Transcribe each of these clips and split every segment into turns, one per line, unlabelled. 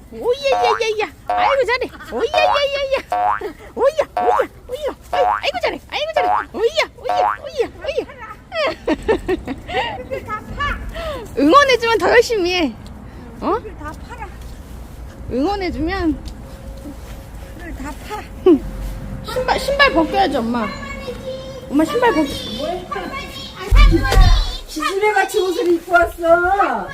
오야야야야. 아이고 잘해. 오야야야야. 오야 오야 오야. 아이고 잘해. 아이고 잘해. 오야 오야 오야 오야. 응원해주면 더 열심히 해. 어?
다 팔아.
응원해주면
다 파.
신발 벗겨야지 엄마. 엄마 신발 벗.
기술에 같이 옷을 입고 왔어.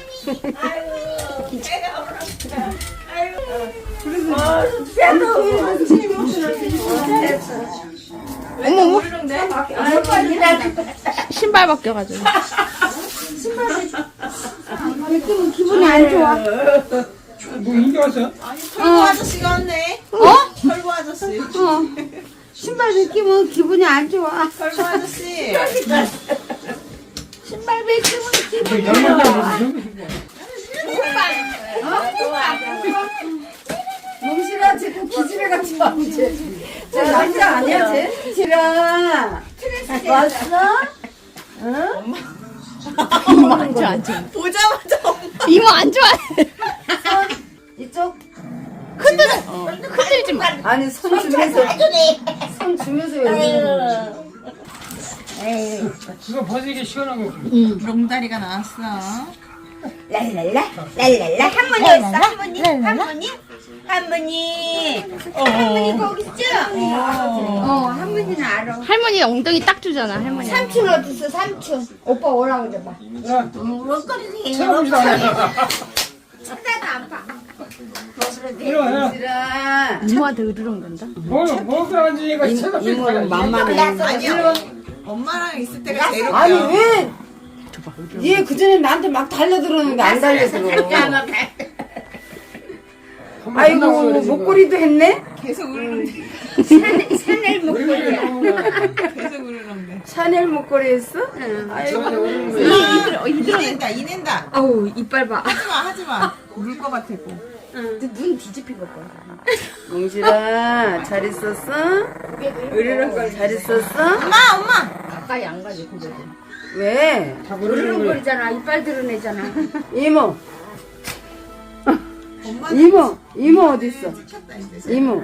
어머 신발 벗겨가지고.
느낌은 기분이 안 좋아.
뭐 인기 왔어?
털보 아저씨가 왔네. 털보 아저씨.
신발 느낌은 기분이 안 좋아.
털보 아저씨.
신발 느낌은 기분이 몽실아, 쟤그 기집애 같이 나오지. 쟤 남자 아니야, 쟤? 지라. 왔어? 응?
이모 안 좋아 안 좋아.
보자마자
이모 안 좋아해.
이쪽?
흔들지 마.
아니, 손 주면서. 손 주면서 왜
그거 벗이기 시원한 거.
롱다리가 나왔어.
랄랄라, 랄랄라. 할머니 어딨어? 할머니? 할머니? 할머니. 할머니 거기 있죠? 할머니는 알아.
할머니 엉덩이 딱 주잖아 할머니.
삼촌 어딨어, 삼촌? 오빠 오라고 그래봐.
야,
먹거리
쳐다보지도 않아.
쳐다도 안 봐.
일어나.
얘들아.
이모한테 으르렁 된다.
뭐 그러는지가
이모는 만만해.
아니야. 엄마랑 있을 때가 제일
아니,
웃겨.
왜? 얘 그전에 나한테 막 달려들었는데 안 달려들어. 아이고, 목걸이도 했네?
계속 울는데.
샤넬 목걸이야.
계속 울는데.
샤넬 목걸이 했어? 아이고.
이낸다 이낸다.
아우, 이빨 봐.
하지마. 울 것 같고.
눈 뒤집히고 봐. 몽실아, 잘 있었어? 으르렁거리 잘 있었어?
엄마.
가까이 안 가지 고개도.
왜?
으르렁거리잖아. 이빨 드러내잖아.
이모,
엄마.
이모 어딨어? 이모.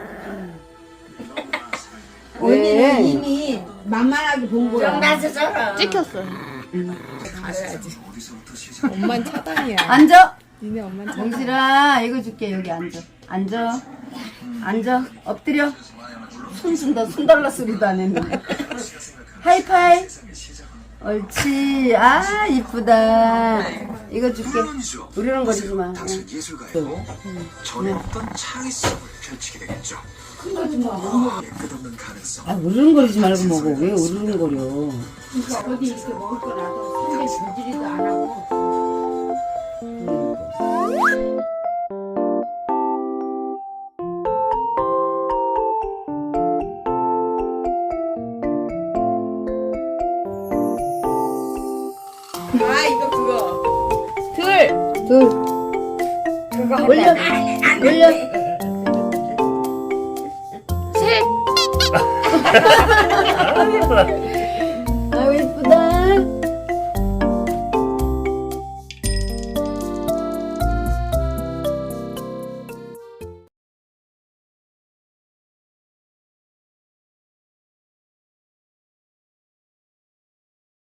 왜?
이미 만만하게 본 거야.
찍혔어.
가려야지. 엄만 차단이야.
앉아.
니네 엄만 차단.
몽실아, 이거 줄게. 여기 앉아. 앉아. 앉아. 엎드려. 손 준다. 손 달라 소리도 안 했는데. 하이파이. 옳지. 아, 이쁘다. 이거 줄게. 으르렁거리지 마.
당신 예술가이고 전에 없던 창의성을 펼치게 되겠죠. 끝없는 가능성.
아, 으르렁거리지 말고 먹어. 왜 으르렁거려?
어디 이렇게 먹을 거 놔둬. 근데 저지리도 안 하고.
아 이거 그거.
둘. 올려. 올려.
셋.